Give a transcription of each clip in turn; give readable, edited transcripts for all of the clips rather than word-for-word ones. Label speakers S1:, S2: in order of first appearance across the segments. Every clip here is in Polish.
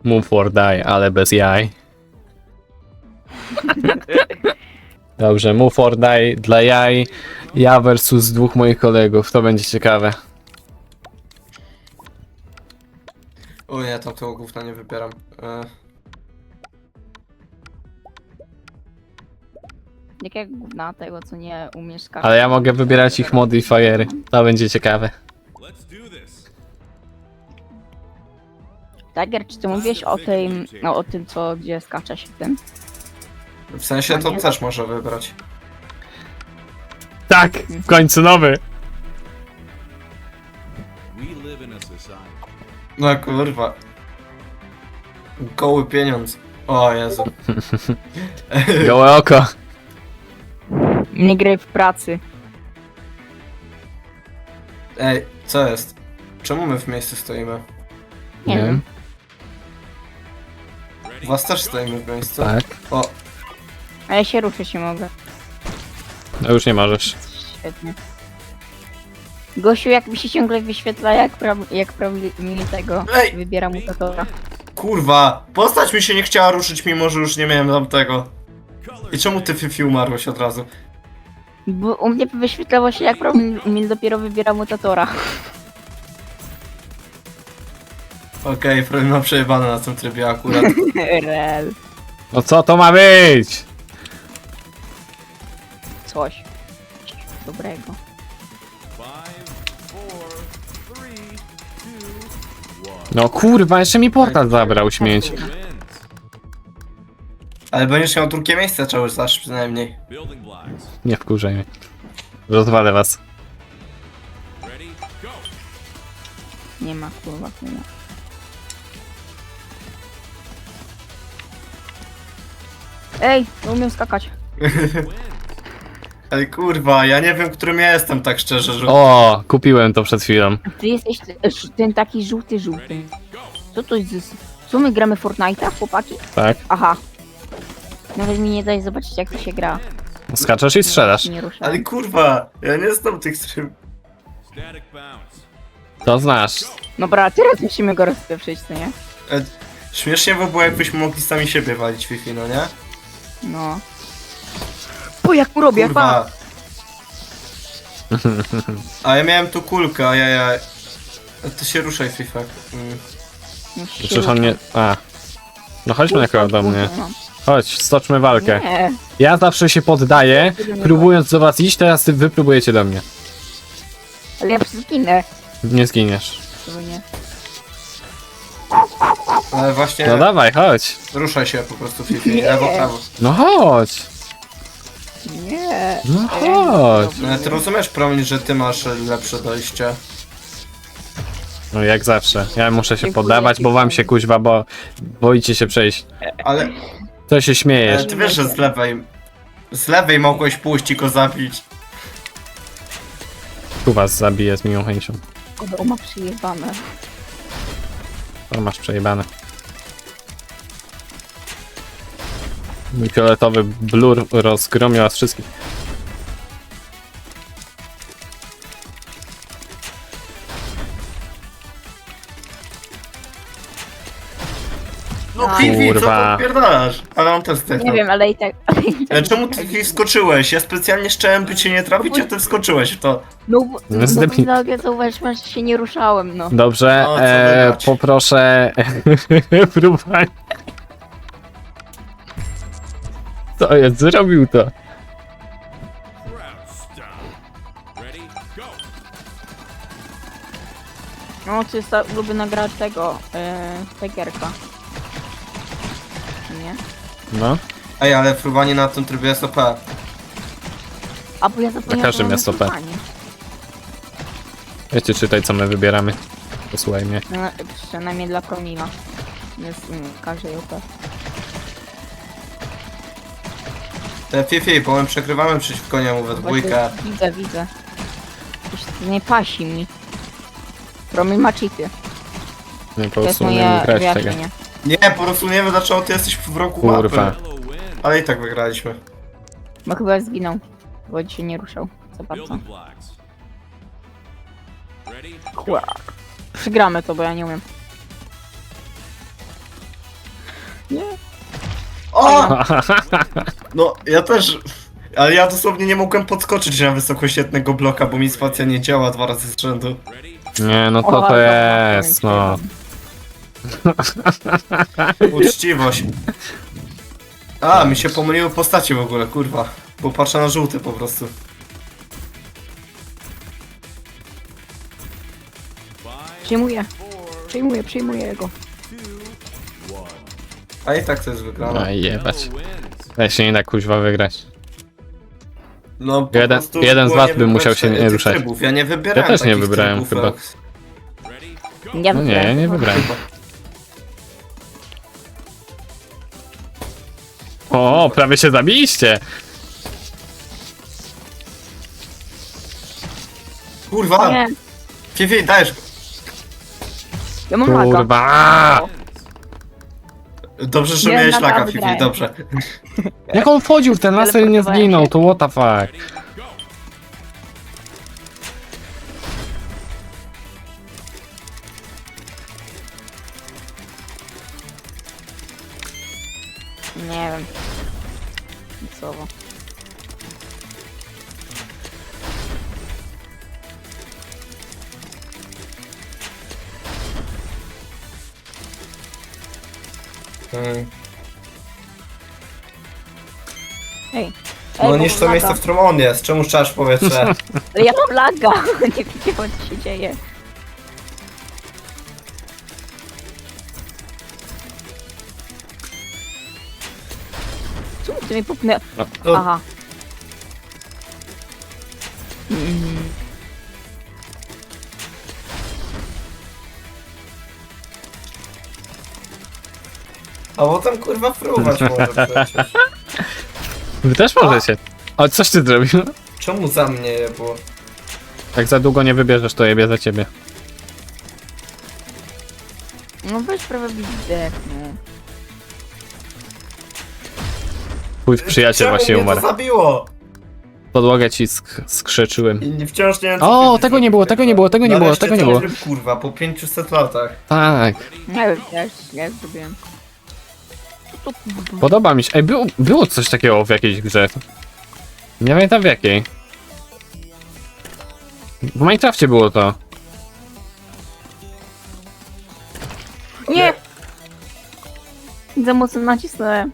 S1: Move or die, ale bez jaj. Dobrze, move or die dla jaj. Ja versus dwóch moich kolegów, to będzie ciekawe.
S2: O nie, tam tego gówna nie wybieram.
S3: Jak gówna tego, co nie umiesz skakać.
S1: Ale ja mogę wybierać ich modifiery, to będzie ciekawe.
S3: Tiger, czy ty mówiłeś o tym, no o tym, co, gdzie skacze się w tym?
S2: W sensie to też może wybrać.
S1: Tak, w końcu nowy.
S2: No kurwa. Goły pieniądz. O Jezu.
S1: Gołe oko.
S3: Nie graj w pracy.
S2: Ej, co jest? Czemu my w miejscu stoimy?
S3: Nie wiem.
S2: Was też stoimy w miejscu?
S1: Tak.
S2: O,
S3: A ja się ruszyć nie mogę.
S1: No już nie możesz.
S3: Świetnie. Gosiu, jak mi się ciągle wyświetla, jak prawidłowo tego
S2: Ej!
S3: wybiera mutatora.
S2: kurwa! Postać mi się nie chciała ruszyć, mimo że już nie miałem tamtego. I czemu ty Fifi umarłeś od razu?
S3: Bo u mnie wyświetlało się, jak mi dopiero wybiera mutatora.
S2: Okej, Freud ma przejebane na tym trybie akurat.
S3: Rel.
S1: No co to ma być?
S3: Coś. Dobrego.
S1: No kurwa, jeszcze mi portal zabrał śmieć.
S2: Ale będziesz miał drugie miejsce cały czas przynajmniej.
S1: Nie wkurzaj mnie. Rozwalę was.
S3: Nie ma, kurwa, nie ma. Ej, nie umiem skakać.
S2: Ej kurwa, ja nie wiem, którym ja jestem tak szczerze, że...
S1: O, kupiłem to przed chwilą.
S3: Ty jesteś ten taki żółty. Co to jest? Co my gramy Fortnite'a, chłopaki?
S1: Tak.
S3: Aha. Nawet mi nie daj zobaczyć, jak to się gra.
S1: Skaczesz i strzelasz.
S3: Nie ruszam.
S2: Ale kurwa, ja nie znam tych stream.
S1: To znasz.
S3: Dobra, teraz musimy go rozpieprzyć, co nie?
S2: Śmiesznie by było, jakbyśmy mogli sami siebie walić Fifi, no nie?
S3: No. O, jak mu robię, pa!
S2: Kurwa. A ja miałem tu kulkę, a ja... Ty się ruszaj, FIFA.
S3: Już się
S1: Przecież on
S3: ruszam.
S1: nie... A. No chodźmy na do mnie.
S3: No.
S1: Chodź, stoczmy walkę.
S3: Nie.
S1: Ja zawsze się poddaję, próbując do was iść, teraz wy próbujecie do mnie.
S3: Ale ja zginę.
S1: Nie zginiesz.
S3: To nie.
S2: Ale właśnie...
S1: No dawaj, chodź.
S2: Ruszaj się po prostu, Fifi.
S3: Nie.
S2: Lewo, prawo.
S1: No chodź.
S3: Nie.
S1: No chodź.
S2: No, ty rozumiesz, Promień, że ty masz lepsze dojście.
S1: No jak zawsze. Ja muszę się
S3: Dziękuję
S1: poddawać,
S3: ci,
S1: bo wam
S3: Paweł.
S1: się kuźwa, bo boicie się przejść.
S2: Ale...
S1: To się śmiejesz.
S2: ty wiesz, że z lewej... Z lewej mogłeś pójść i go zabić.
S1: Tu was zabiję z miłą chęcią.
S3: O, ma przyjebane.
S1: To masz przejebane. Mój fioletowy blur rozgromił was wszystkich.
S2: No
S3: A.
S2: Fifi, co
S1: Kurwa.
S2: ty odpierdalasz? Ale on też zdechł.
S3: Nie wiem, ale i tak.
S2: Czemu ty Fifi wskoczyłeś? Ja specjalnie chciałem by cię nie trafić, a ty wskoczyłeś w to.
S3: No,
S1: No, zdepnij.
S3: no zauważyłem, że się nie ruszałem, no.
S1: Dobrze,
S2: No, co wybrać?
S1: poproszę próbowanie. Co jest? Zrobił to.
S3: No, to jest ta ulubiona gra tego, Tigerka. Nie?
S1: No.
S2: Ej, ale fruwanie na tym trybie jest OP.
S3: A bo ja zapomniałem,
S1: Na każdym
S3: że
S1: jest
S3: mamy
S1: OP.
S3: fruwanie.
S1: Wiecie, czytaj co my wybieramy. Posłuchaj mnie.
S3: No, przynajmniej dla Promila. Jest każdej OP.
S2: Te Fifi, bo my przegrywamy przeciwko niemu we dwójkę.
S3: Właśnie widzę. Coś nie pasi mi. Promil ma cheaty.
S1: Nie po
S3: To jest
S1: prostu nie
S3: moje
S1: grać tego.
S3: wyjaśnienie.
S2: Nie, po prostu nie wiem dlaczego ty jesteś w roku
S1: Kurwa.
S2: mapy. Ale i tak wygraliśmy.
S3: Bo chyba zginął. Bo dzisiaj nie ruszał. Co bardzo. Przegramy to, bo ja nie umiem. Nie.
S2: O! No, ja też... Ale ja dosłownie nie mogłem podskoczyć na wysokoświetnego bloka, bo mi spacja nie działa 2 razy z rzędu.
S1: Nie, no
S3: O,
S1: to
S3: dobra,
S1: jest, no.
S2: Uczciwość. A, mi się pomyliły postacie w ogóle, kurwa. Bo patrzę na żółty po prostu.
S3: Przyjmuję go.
S2: A i tak to jest wygrane.
S1: No i jebać. Ja się nie da kuźwa wygrać.
S2: No, po
S1: Jeden-
S2: prostu
S1: jeden z
S2: było
S1: was
S2: nie
S1: by musiał
S2: wybrać
S1: się nie
S2: tych
S1: ruszać.
S2: Trybów. Ja nie wybierałem
S1: Ja też nie
S2: takich
S1: wybrałem
S2: trybów,
S1: chyba.
S2: Rox.
S3: Ja
S1: No nie, nie wybrałem. O, prawie się zabiliście!
S2: Kurwa!
S3: Nie,
S2: Fifi, dajesz!
S3: ja mam laga.
S1: Kurwa!
S2: Dobrze, że
S3: Nie,
S2: miałeś laga,
S3: naprawdę
S2: Fifi,
S3: wygrałem.
S2: dobrze.
S1: Jak on wchodził w ten laser i nie
S3: Teleportowałem
S1: zginął,
S3: się.
S1: to what the fuck?
S3: Nie wiem. Słowo.
S2: Mm.
S3: Ej.
S2: No
S3: bo
S2: niż
S3: mam
S2: to
S3: laga.
S2: miejsce, w którym on jest. Czemu szczasz powietrze?
S3: Ale ja mam laga. Nie widziałem, co się dzieje. Czemu ty mnie popnę...
S2: No,
S3: Aha.
S2: a potem kurwa fruwać może przecież.
S1: Wy też możecie. O, coś ty zrobił?
S2: Czemu za mnie je było?
S1: Jak za długo nie wybierzesz, to jebie za ciebie.
S3: No weź prawie widzę. No.
S1: Twój przyjaciel
S2: Czemu
S1: właśnie
S2: mnie
S1: umarł.
S2: to zabiło?
S1: Podłogę ci skrzyczyłem.
S2: I wciąż nie wiem, co
S1: O,
S2: Fifi
S1: tego nie
S2: zrobił,
S1: było, tego nie było, tego nie było,
S2: Nareszcie
S1: tego nie
S2: ten
S1: było.
S2: tryb, kurwa, po 500 latach.
S1: Tak,
S3: Nie wiem, ja już zrobiłem.
S1: podoba mi się. Ej, było coś takiego w jakiejś grze. Nie pamiętam w jakiej. W Minecrafcie było to.
S3: Nie! Za mocno nacisnąłem.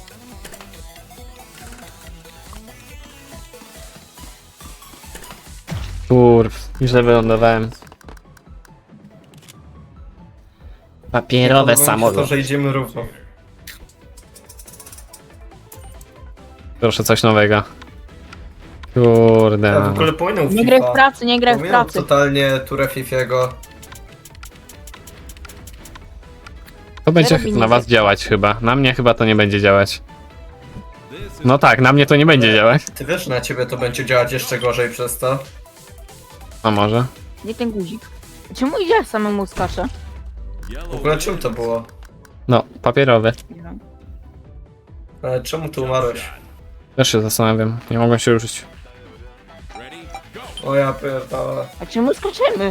S1: Kurw, źle wylądowałem. Papierowe
S2: Podoba mi się to,
S1: samolot.
S2: że idziemy równo.
S1: Proszę coś nowego. Kurde.
S2: Ja w ogóle pominął
S3: Nie graj w
S2: FIFA.
S3: pracy, nie graj w
S2: Pominął
S3: pracy.
S2: totalnie turę Fifiego.
S1: To będzie
S3: robi
S1: na
S3: nic.
S1: was działać chyba. Na mnie chyba to nie będzie działać. No tak, na mnie to nie będzie działać.
S2: Ty wiesz, że na ciebie to będzie działać jeszcze gorzej przez to.
S1: A może?
S3: Nie ten guzik. Czemu idziesz samemu skacze?
S2: W ogóle czym to było?
S1: No, papierowe.
S3: Nie wiem.
S2: Ale czemu ty umarłeś?
S1: Też się zastanawiam. Nie mogę się ruszyć.
S2: O ja pierdolę.
S3: A czemu skaczemy?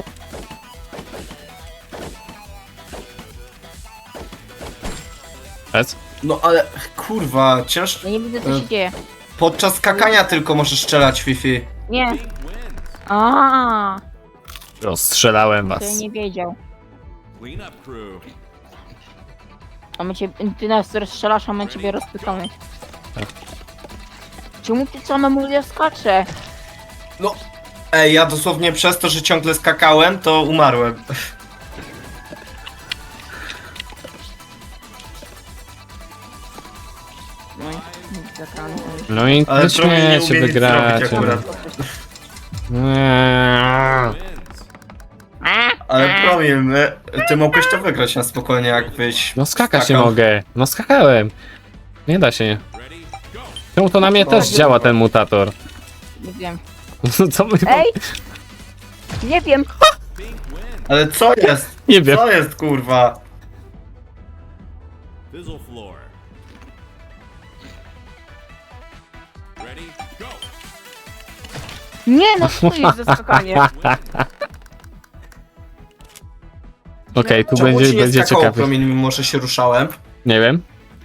S1: Bez?
S2: No ale kurwa, ciężko.
S3: Ja nie widzę, co się dzieje.
S2: Podczas skakania tylko możesz strzelać Fifi.
S3: Nie. A,
S1: Rozstrzelałem
S3: to ja
S1: was.
S3: nie wiedział. A my cię, ty nas rozstrzelasz, a my ciebie rozpykamy.
S1: Tak.
S3: Czemu ty samemu nie skacze?
S2: No. Ej, ja dosłownie przez to, że ciągle skakałem, to umarłem.
S3: No i zakrany.
S1: No i
S2: Ale
S1: nie
S2: Promi nie
S1: śmiecie,
S2: umie nic
S1: wygracie.
S2: zrobić akurat.
S1: Nie.
S2: Ale Promil, ty mogłeś to wygrać na spokojnie, jakbyś
S1: No skakać nie
S2: skakał.
S1: mogę. No skakałem. Nie da się. Czemu to na mnie też działa ten mutator?
S3: Nie wiem.
S1: Co my...
S3: Ej! Nie wiem.
S2: Ale co jest?
S1: Nie wiem.
S2: Co jest, kurwa?
S4: Fizzle floor. Ready, go!
S3: Nie, no co to jest za skakanie?
S1: Okej, tu
S2: Czemu ci nie
S1: będzie
S2: skakało
S1: ciekawie.
S2: Promil, mimo że się ruszałem?
S1: Nie wiem.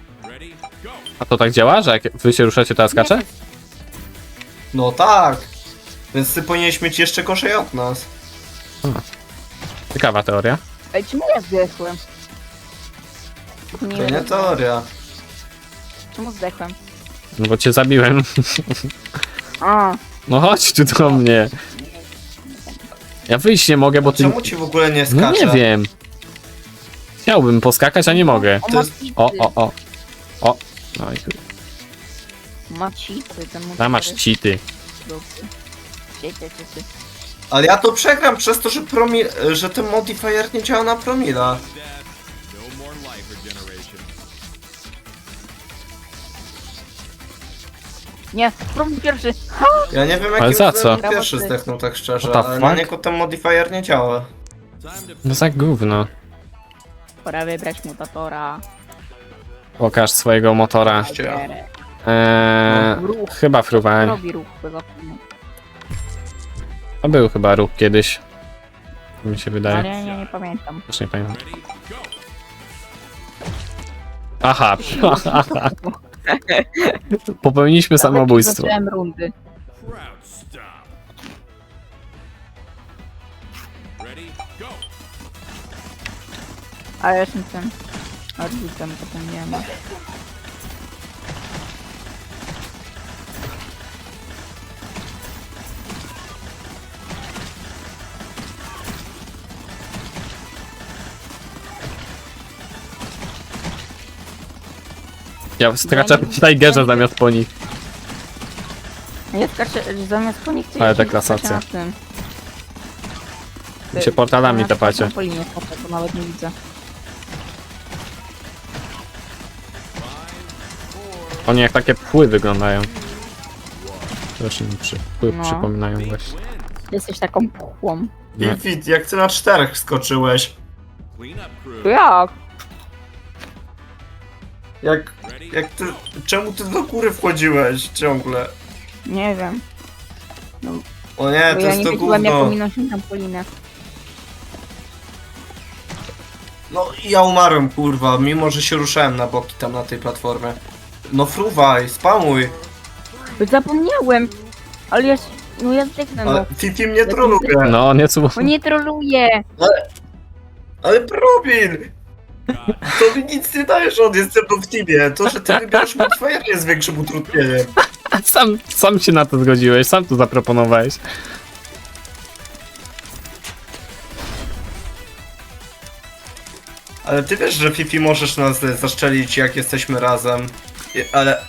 S1: A to tak działa, że jak wy się ruszacie, to ja skaczę?
S2: No tak. Więc ty powinieneś mieć jeszcze gorzej od nas.
S1: Ciekawa teoria.
S3: Ej, czemu ja zdechłem?
S2: To nie teoria.
S3: Czemu zdechłem?
S1: No bo cię zabiłem.
S3: A,
S1: No chodź tu do mnie. Ja wyjść nie mogę, bo ty...
S2: Czemu ci w ogóle nie
S1: No
S2: skacze?
S1: nie wiem. Chciałbym poskakać, a nie mogę.
S3: o
S2: To jest-
S3: macity.
S1: O. No i tu.
S3: Macity, ten
S1: Tam masz cheaty.
S2: Ale ja to przegram przez to, że ten modifier nie działa na promila.
S4: Death. No more life regeneration.
S3: Nie, próbuj pierwszy. Ha!
S2: Ja nie wiem
S1: Ale
S2: jakim
S1: za
S2: cudem
S1: co?
S2: pierwszy zdechnął tak szczerze,
S1: What the
S2: ale na
S1: fuck?
S2: niego ten modifier nie działa.
S4: Time to
S1: No za gówno.
S3: Pora wybrać mutatora.
S1: Pokaż swojego motora. Chyba fruwań.
S3: Robi ruch, bo zapomnę.
S1: To był chyba ruch kiedyś. Mi się
S3: Ale
S1: wydaje.
S3: ja nie pamiętam.
S1: Też nie pamiętam.
S4: ready, go.
S1: Aha. Popełniliśmy samobójstwo.
S3: Zacząłem rundy.
S4: Crowd stop. Ready, go.
S3: Ale ja jestem tym arbusem, potem nie ma.
S1: Ja skaczę w Tigerze zamiast po nich.
S3: Ja skaczę zamiast po nich, to
S1: Ale
S3: ja
S1: ta
S3: się
S1: klasacja.
S3: skaczę na tym.
S1: Wy się portalami
S3: Na
S1: tepacie.
S3: po linie skaczę, bo nawet nie widzę.
S1: Oni jak takie pchły wyglądają. Też mi pchły
S3: No.
S1: przypominają właśnie.
S3: Jesteś taką pchłą.
S1: Nie.
S2: Fit, jak ty na 4 skoczyłeś?
S4: Clean up crew.
S3: To jak?
S2: Jak ty... Czemu ty do góry wchodziłeś ciągle?
S3: Nie wiem.
S2: O nie,
S3: Bo
S2: to
S3: ja
S2: jest
S3: nie
S2: to
S3: wiedziałem jak
S2: gówno.
S3: pominąć się trampolinę.
S2: No i ja umarłem kurwa, mimo że się ruszałem na boki tam na tej platformie. No fruwaj, spamuj.
S3: Zapomniałem! Ale ja... No ja zdechnę, no.
S2: Ale Fifi mnie troluje.
S1: No, nieco.
S3: O nie troluję!
S2: Ale probil! To mi nic nie dajesz, on jest ze mną w teamie. To, że ty wybierasz modifier jest większym utrudnieniem.
S1: Sam się na to zgodziłeś, sam to zaproponowałeś.
S2: Ale ty wiesz, że Fifi możesz nas zaszczelić jak jesteśmy razem. Ale...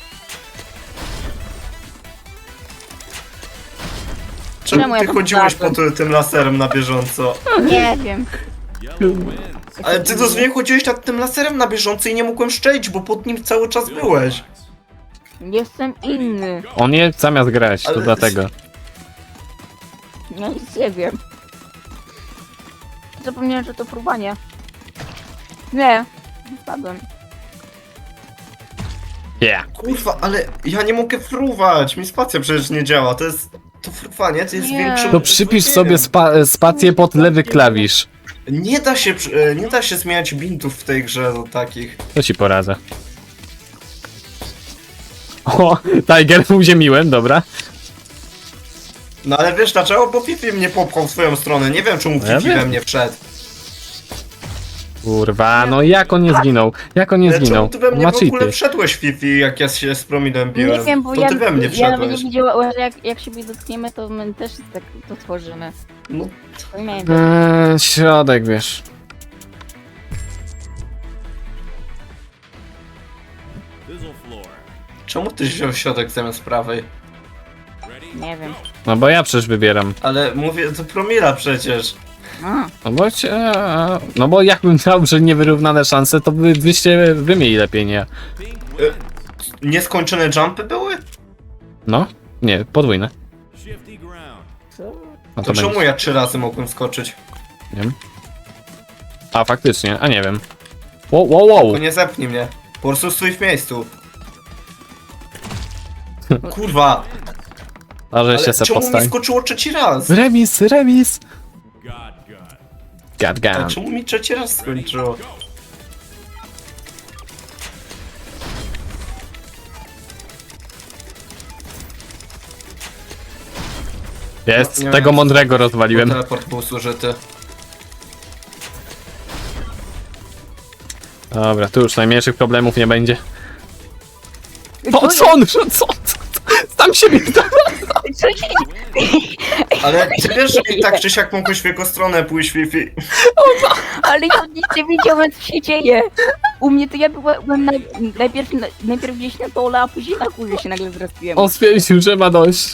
S3: Czemu
S2: Czemu
S3: ja
S2: ty
S3: tam
S2: chodziłeś
S3: wlazłem?
S2: tym laserem na bieżąco?
S3: Nie wiem.
S4: Yellow wins.
S2: Ale ty dosłownie chodziłeś nad tym laserem na bieżąco i nie mogłem szczelić, bo pod nim cały czas byłeś.
S3: Jestem inny.
S1: On je zamiast grać, to
S2: Ale-
S1: dlatego.
S3: Ja nic nie wiem. Zapomniałem, że to próbanie. Nie. Spadłem.
S1: Yeah.
S2: Kurwa, ale ja nie mogę fruwać, mi spacja przecież nie działa, to jest... To fruwanie to jest
S3: Nie.
S2: większym...
S1: To przypisz
S2: utrudnieniem.
S1: sobie spację pod lewy klawisz.
S2: Nie da się zmieniać bintów w tej grze do takich.
S1: To ci poradzę. O, Tiger uziemiłem, dobra.
S2: No ale wiesz dlaczego? Bo Fifi mnie popchał w swoją stronę, nie wiem czemu
S1: Ja
S2: Fifi
S1: wiem.
S2: we mnie wszedł.
S1: Kurwa, no jak on nie zginął? Jak on nie
S2: Ale
S1: zginął?
S2: czemu ty we mnie
S1: Ma
S2: w ogóle
S1: cheaty.
S2: wszedłeś Fifi, jak ja się z promidem biłem?
S3: Nie wiem, bo
S2: to
S3: ja,
S2: ty we mnie
S3: ja nawet nie
S2: wszedłeś.
S3: widziałem, że jak siebie dotkniemy, to my też tak to tworzymy.
S2: No,
S3: To nie wiem.
S1: Środek, wiesz.
S4: Fizzle floor.
S2: czemu ty wziął środek zamiast prawej?
S4: Ready,
S3: Nie wiem.
S1: No bo ja przecież wybieram.
S2: Ale mówię, to promila przecież.
S3: A,
S1: No bo no bo jakbym miał, że niewyrównane szanse, to byście wy mieli lepiej, nie?
S4: pink
S2: Nieskończone jumpy były?
S1: No? Nie, podwójne.
S4: shifty ground.
S3: co?
S1: No
S2: To
S1: to
S2: czemu
S1: będzie.
S2: ja 3 razy mogłem skoczyć?
S1: Nie wiem. A faktycznie, a nie wiem. Wow.
S2: To nie zepnij mnie. Po prostu stój w miejscu. Kurwa,
S1: A że się
S2: ale
S1: se
S2: czemu mi
S1: postawi.
S2: skoczyło trzeci raz?
S1: Remis!
S4: God.
S2: Ale
S1: Gadgam.
S2: czemu mi trzeci raz skończyło?
S1: Jest,
S2: No, nie
S1: tego
S2: wiem,
S1: mądrego
S2: bo
S1: rozwaliłem.
S2: teleport był zużyty.
S1: Dobra, tu już najmniejszych problemów nie będzie.
S3: Co
S1: Co on? Co? Tam się mi
S3: Co się...
S2: Ale ty wiesz, że i tak czy siak mogłeś w jego stronę pójść, Fifi.
S3: Ale ja nic nie wiedziałem, co się dzieje. U mnie to ja byłem najpierw gdzieś na dole, a później na górze się nagle zrespiłem.
S1: On stwierdził, że ma dość.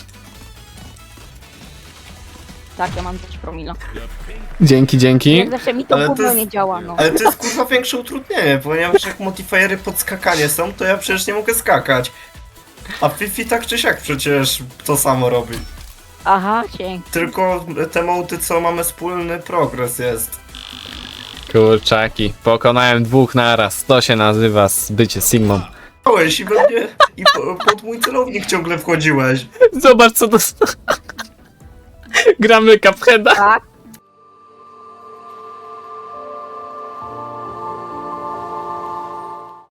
S3: Tak, ja mam 5 promila.
S1: Dzięki.
S3: Jak zawsze mi to
S2: Ale to
S3: gówno
S2: jest-
S3: nie działa, no.
S2: Ale to jest kurwa większe utrudnienie, ponieważ jak modifiery pod skakanie są, to ja przecież nie mogę skakać. A Fifi tak czy siak przecież to samo robi.
S3: Aha, dzięki.
S2: Tylko te mody, co mamy wspólny progres jest.
S1: Kurczaki, pokonałem 2 naraz. To się nazywa bycie Sigmą.
S2: Stałeś i we mnie, i pod mój celownik ciągle wchodziłeś.
S1: Zobacz co to... Gramy Cupheada.
S3: Tak,